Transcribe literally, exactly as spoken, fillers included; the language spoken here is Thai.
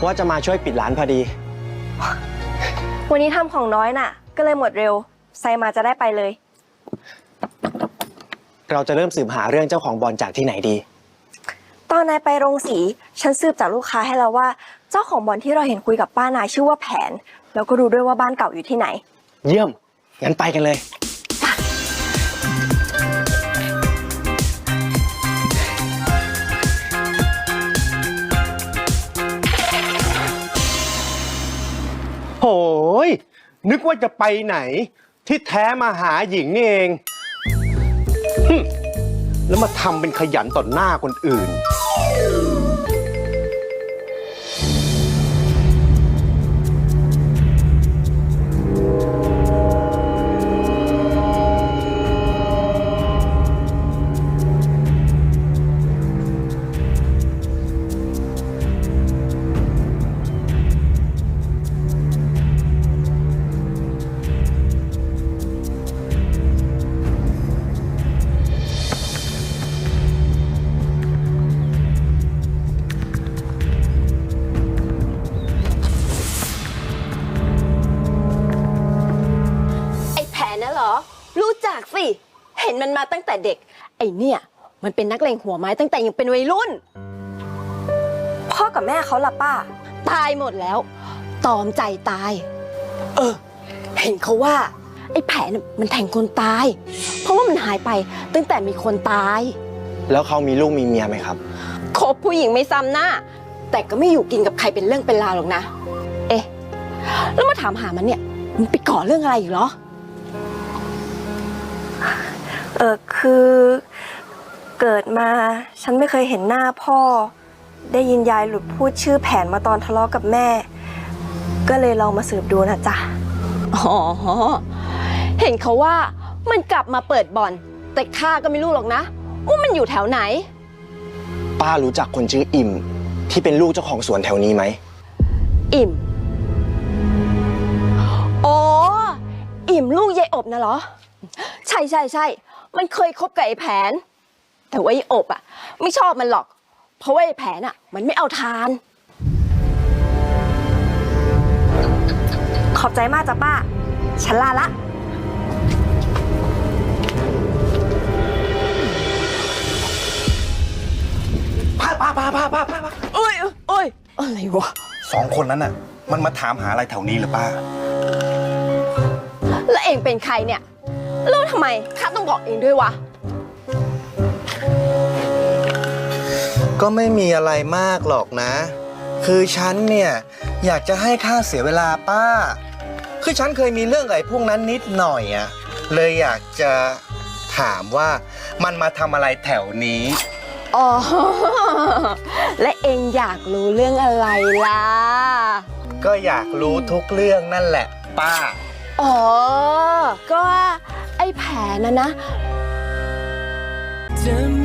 ว่าจะมาช่วยปิดร้านพอดีวันนี้ทำของน้อยน่ะก็เลยหมดเร็วไซมาจะได้ไปเลยเราจะเริ่มสืบหาเรื่องเจ้าของบอลจากที่ไหนดีตอนนายไปโรงสีฉันสืบจากลูกค้าให้แล้วว่าเจ้าของบอลที่เราเห็นคุยกับป้านายชื่อว่าแผนแล้วก็รู้ด้วยว่าบ้านเก่าอยู่ที่ไหนเยี่ยมงั้นไปกันเลยโอ้ยนึกว่าจะไปไหนที่แท้มาหาหญิงนี่เองแล้วมาทำเป็นขยันต่อหน้าคนอื่นรู้จักสิเห็นมันมาตั้งแต่เด็กไอ้เนี่ยมันเป็นนักเลงหัวไม้ตั้งแต่ยังเป็นวัยรุ่นพ่อกับแม่เขาล่ะป้าตายหมดแล้วตอมใจตายเออเห็นเขาว่าไอ้แผนมันแทงคนตายเพราะว่ามันหายไปตั้งแต่มีคนตายแล้วเขามีลูกมีเมียไหมครับคบผู้หญิงไม่ซ้ำหน้าแต่ก็ไม่อยู่กินกับใครเป็นเรื่องเป็นราวหรอกนะเอ๊ะแล้วมาถามหามันเนี่ยมันไปก่อเรื่องอะไรอีกเหรอเออคือเกิดมาฉันไม่เคยเห็นหน้าพ่อได้ยินยายหลุดพูดชื่อแผนมาตอนทะเลาะกับแม่ก็เลยลองมาสืบดูนะจ๊ะอ๋อเห็นเขาว่ามันกลับมาเปิดบ่อนแต่ข้าก็ไม่รู้หรอกนะว่ามันอยู่แถวไหนป้ารู้จักคนชื่ออิ่มที่เป็นลูกเจ้าของสวนแถวนี้ไหมอิ่มอ๋ออิ่มลูกยายอบนะเหรอใช่ใช่ใช่มันเคยคบกับไอ้แผนแต่ว่าไอ้อบอ่ะไม่ชอบมันหรอกเพราะว่าไอ้แผนอ่ะมันไม่เอาทานขอบใจมากจ้ะป้าฉันลาละป้าป้าป้าป้าป้าป้าเอ้ยเอ้ยอะไรวะสองคนนั้นน่ะมันมาถามหาอะไรแถวนี้หรือป้าแล้วเองเป็นใครเนี่ยแล้วทำไมข้าต้องบอกเองด้วยวะก็ไม่มีอะไรมากหรอกนะ คือฉันเนี่ยอยากจะให้ค่าเสียเวลาป้าคือฉันเคยมีเรื่องกับไอ้พวกนั้นนิดหน่อยอะเลยอยากจะถามว่ามันมาทำอะไรแถวนี้อ๋อและเองอยากรู้เรื่องอะไรล่ะก็อยากรู้ทุกเรื่องนั่นแหละป้าอ๋อก็ไอ้แผนนะนะ